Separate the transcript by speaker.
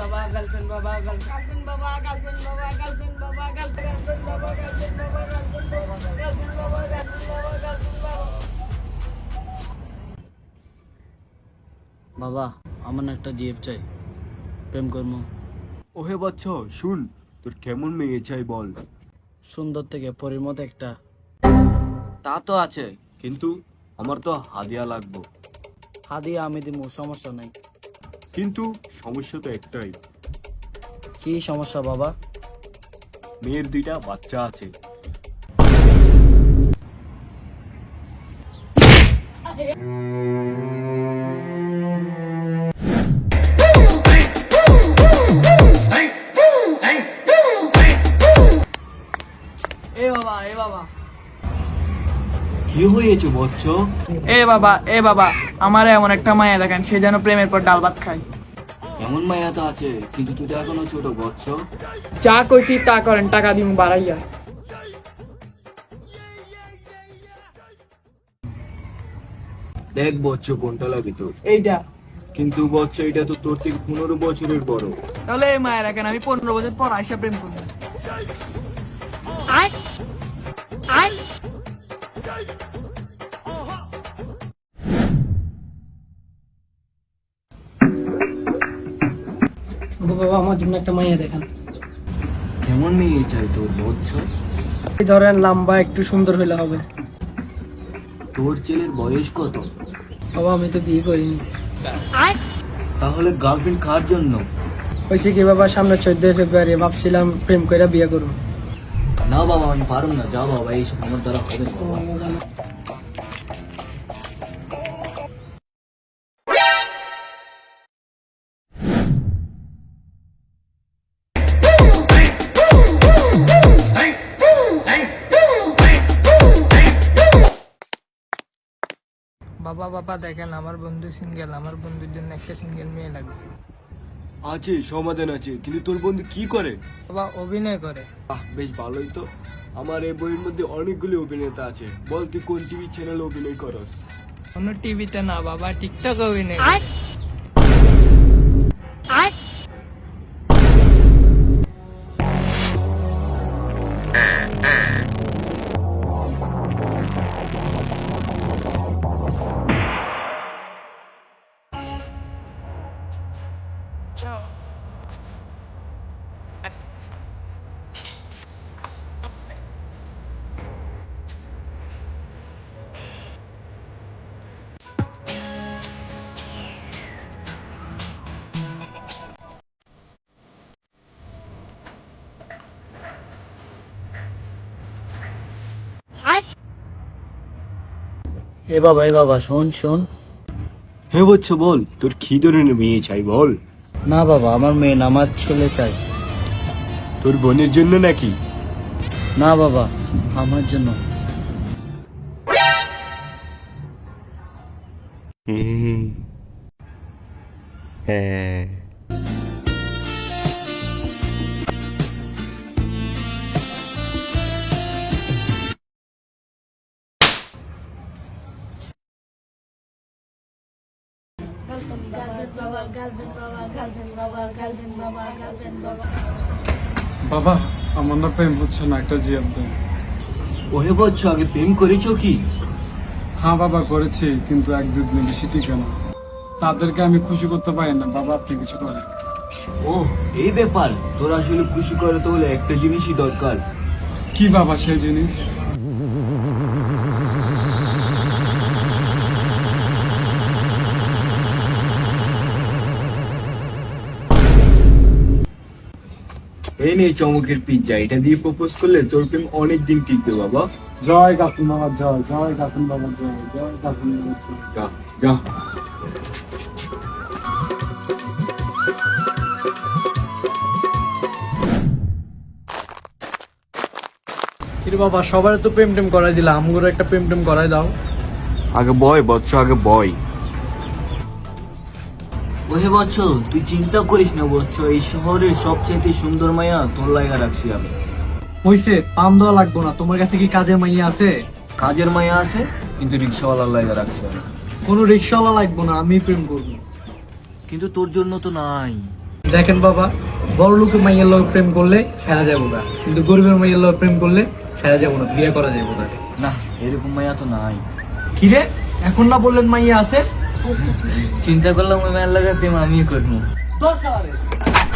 Speaker 1: বাবা গার্লফ্রেন্ড বাবা গার্লফ্রেন্ড বাবা গার্লফ্রেন্ড বাবা গার্লফ্রেন্ড বাবা গার্লফ্রেন্ড বাবা গার্লফ্রেন্ড বাবা গার্লফ্রেন্ড বাবা গার্লফ্রেন্ড বাবা।
Speaker 2: বাবা আমার না একটা জিএফ চাই, প্রেম করবো।
Speaker 3: ওহে বাচ্চা শুন, তোর কেমন মেয়ে চাই বল।
Speaker 2: সুন্দর থেকে পরীর মতো একটা।
Speaker 3: তা তো আছে, কিন্তু আমার তো হাদিয়া লাগবে।
Speaker 2: হাদিয়া আমি দিব, সমস্যা নাই।
Speaker 3: কিন্তু সমস্যা তো একটাই,
Speaker 2: কি সমস্যা বাবা?
Speaker 3: মেয়ের 2টা বাচ্চা আছে।
Speaker 1: এ বাবা এ বাবা
Speaker 3: কি হয়েছে বচ্চ?
Speaker 1: এ বাবা আমারে এমন একটা মায়া দেখেন, সে যেন প্রেমের পর ডাল ভাত খায়।
Speaker 3: এমন মায়া তো আছে, কিন্তু তুই তো এখনো ছোট বচ্চ।
Speaker 1: যা কইছি তা করেন, টাকা দিমু বাড়াইয়া।
Speaker 3: দেখ বচ্চ কোনটা লাগে তোর।
Speaker 1: এইটা।
Speaker 3: কিন্তু বচ্চ এটা তো তোর থেকে 15 বছরের বড়।
Speaker 1: তাহলে এই মায়া রাখেন, আমি 15 বছর পর আইসা প্রেম করবো।
Speaker 4: বাবা আমার জন্য একটা মাইয়া দেখান।
Speaker 3: কেমন মেয়ে চাই তোর বচ্চ?
Speaker 4: এই ধরেন লম্বা একটু সুন্দর হলে হবে।
Speaker 3: তোর ছেলের বয়স কত?
Speaker 4: বাবা আমি তো বিয়ে করিনি।
Speaker 3: তাহলে গার্লফ্রেন্ড কার জন্য?
Speaker 4: হয়েছে কি বাবা, সামনে 14 ফেব্রুয়ারি ভাবছিলাম প্রেম করে বিয়ে করবো।
Speaker 3: না বাবা আমি পারুম না, যা বাবা এইসব আমার দ্বারা হবে না বাবা।
Speaker 1: বাবা বাবা দেখেন, আমার বন্ধু সিঙ্গেল, আমার বন্ধুর জন্য একটা সিঙ্গেল মেয়ে লাগবে।
Speaker 3: আছে, সমাধান আছে, কিন্তু তোর বন্ধু কি করে?
Speaker 1: বাবা অভিনয় করে।
Speaker 3: বেশ ভালোই তো। আমার এই বইয়ের মধ্যে অনেকগুলি অভিনেতা আছে, বল তুই কোন টিভি চ্যানেল অভিনয় করস?
Speaker 1: কোনো টিভিতে না বাবা, টিকটক অভিনয়।
Speaker 2: এ বাবা শোন শোন।
Speaker 3: হ্যাঁ বচ্চ বল, তোর কি ধরনের মেয়ে চাই বল।
Speaker 2: না বাবা আমার মেয়ে না, আমার ছেলে চাই।
Speaker 3: তোর বোনের জন্য নাকি?
Speaker 2: না বাবা আমার জন্য।
Speaker 3: হ্যাঁ
Speaker 5: বাবা আমার না প্রেম হচ্ছে না, একটা জিএফ দেন।
Speaker 3: ওহে বচ্চ আগে প্রেম করেছো কি?
Speaker 5: হ্যাঁ বাবা করেছি, কিন্তু 1-2 দিন বেশি টিকে না। তাদেরকে আমি খুশি করতে পারি না। বাবা আপনি কিছু করেন।
Speaker 3: ও এই ব্যাপার, তোর আসলে খুশি করে তো হলে একটা জিনিসই দরকার।
Speaker 5: কি বাবা সেই জিনিস?
Speaker 3: এই নে চমকের পিজ্জা, এটা দিয়ে প্রপোজ করলে তোর প্রেম অনেক দিন টিকবে বাবা।
Speaker 5: জয় গাফুন বাবা জয়, জয় গাফুন বাবা জয়, জয় গাফুন বাবা জয়।
Speaker 3: যা যা।
Speaker 4: কিন্তু বাবা সবার তো প্রেম টেম করাই দিলা, আমগুলো একটা প্রেম টেম করাই দাও।
Speaker 3: আগে বয় বচ্চ, আগে বয়। ওহে বচ্চ তুই চিন্তা করিস না বচ্চ, এই শহরের সবচেয়ে সুন্দর মায়া তোর লাগা রাখছি আমি।
Speaker 4: হইছে, পাম দেওয়া লাগবো না। তোমার কাছে কি কাজের মাইয়া আছে?
Speaker 3: কাজের মায়া আছে, কিন্তু রিক্সাওয়ালার লাগা রাখছি আমি।
Speaker 4: কোনো রিক্সাওয়ালা লাগবো না, আমি প্রেম করবো।
Speaker 3: কিন্তু তোর জন্য তো নাই।
Speaker 4: দেখেন বাবা, বড় লোকের মাইয়ের লোক প্রেম করলে ছেড়া যাবো না, কিন্তু গরিবের মাইয়ের লোক প্রেম করলে ছেড়া যাবো না, বিয়ে করা যাবো তাকে।
Speaker 2: না, এরকম মাইয়া তো নাই।
Speaker 4: কিরে, এখন না বললেন মাইয়া আছে?
Speaker 2: চিন্তা করলাম ওই মায়ের লাগে প্রেম আমিও করবো।
Speaker 4: দশ